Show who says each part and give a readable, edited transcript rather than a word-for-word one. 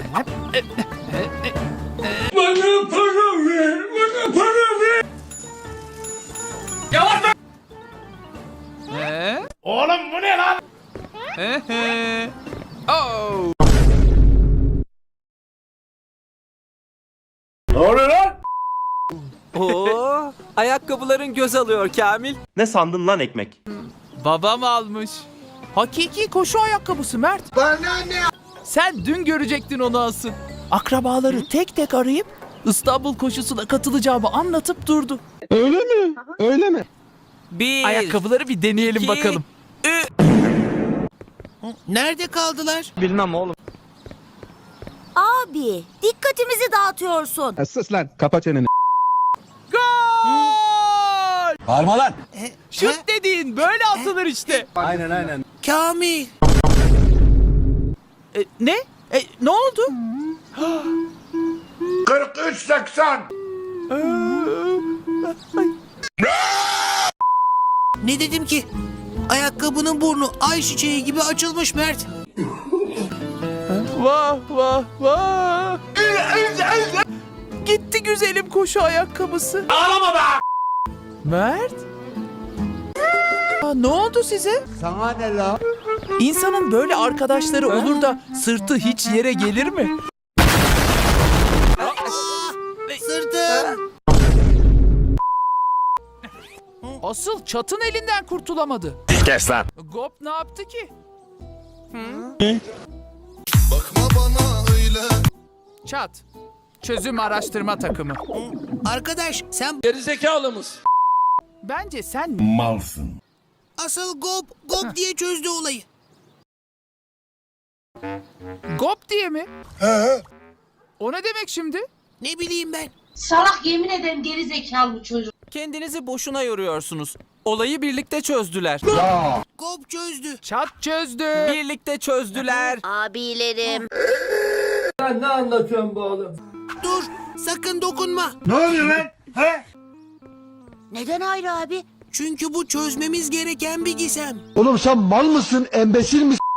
Speaker 1: Bana para ver, bana para ver. Yavaş lan. Oğlum bu ne lan?
Speaker 2: Oh.
Speaker 1: Ne oluyor lan?
Speaker 3: Oo, ayakkabıların göz alıyor Kamil.
Speaker 4: Ne sandın lan ekmek?
Speaker 2: Babam almış. Hakiki koşu ayakkabısı Mert.
Speaker 1: Bana ne?
Speaker 2: Sen dün görecektin onu asıl. Akrabaları tek tek arayıp İstanbul koşusuna katılacağımı anlatıp durdu.
Speaker 5: Öyle mi? Öyle mi?
Speaker 3: Bir,
Speaker 2: Ayakkabıları bir deneyelim
Speaker 3: iki,
Speaker 2: bakalım.
Speaker 6: Nerede kaldılar?
Speaker 5: Bilmem oğlum.
Speaker 7: Abi, dikkatimizi dağıtıyorsun.
Speaker 5: Sus lan. Kapa çeneni.
Speaker 2: Gol!
Speaker 1: Bağırma lan.
Speaker 2: Şut dediğin böyle atılır işte.
Speaker 5: Aynen.
Speaker 6: Kamil.
Speaker 2: Ne? Ne oldu?
Speaker 1: 43-80.
Speaker 6: Ne dedim ki? Ayakkabının burnu ayçiçeği gibi açılmış Mert.
Speaker 2: Vah vah vah. Gitti güzelim koşu ayakkabısı.
Speaker 1: Ağlama be.
Speaker 2: Mert? Ne oldu size?
Speaker 1: Sana ne la?
Speaker 2: İnsanın böyle arkadaşları olur da sırtı hiç yere gelir mi?
Speaker 6: Sırtım.
Speaker 2: Asıl Çat'ın elinden kurtulamadı.
Speaker 4: Kes lan.
Speaker 2: Gop ne yaptı ki?
Speaker 8: Bakma bana öyle.
Speaker 2: Çat. Çözüm araştırma takımı.
Speaker 6: Arkadaş sen
Speaker 1: Gerizekalı mısın?
Speaker 2: Bence sen
Speaker 1: Malsın.
Speaker 6: asıl gop diye çözdü olayı.
Speaker 2: Gop diye mi? O ne demek şimdi?
Speaker 6: Ne bileyim ben.
Speaker 9: Salak, yemin ederim geri zekalı bu çocuk.
Speaker 3: kendinizi boşuna yoruyorsunuz. Olayı birlikte çözdüler.
Speaker 6: Gop çözdü.
Speaker 2: Çat çözdü.
Speaker 3: Birlikte çözdüler.
Speaker 7: Abilerim.
Speaker 1: Sen ne anlatıyorsun bu oğlum?
Speaker 6: Dur sakın dokunma.
Speaker 1: Ne oluyor lan? He?
Speaker 7: Neden Hayri abi?
Speaker 6: Çünkü bu çözmemiz gereken bir gizem.
Speaker 5: Oğlum sen mal mısın? Embesil misin?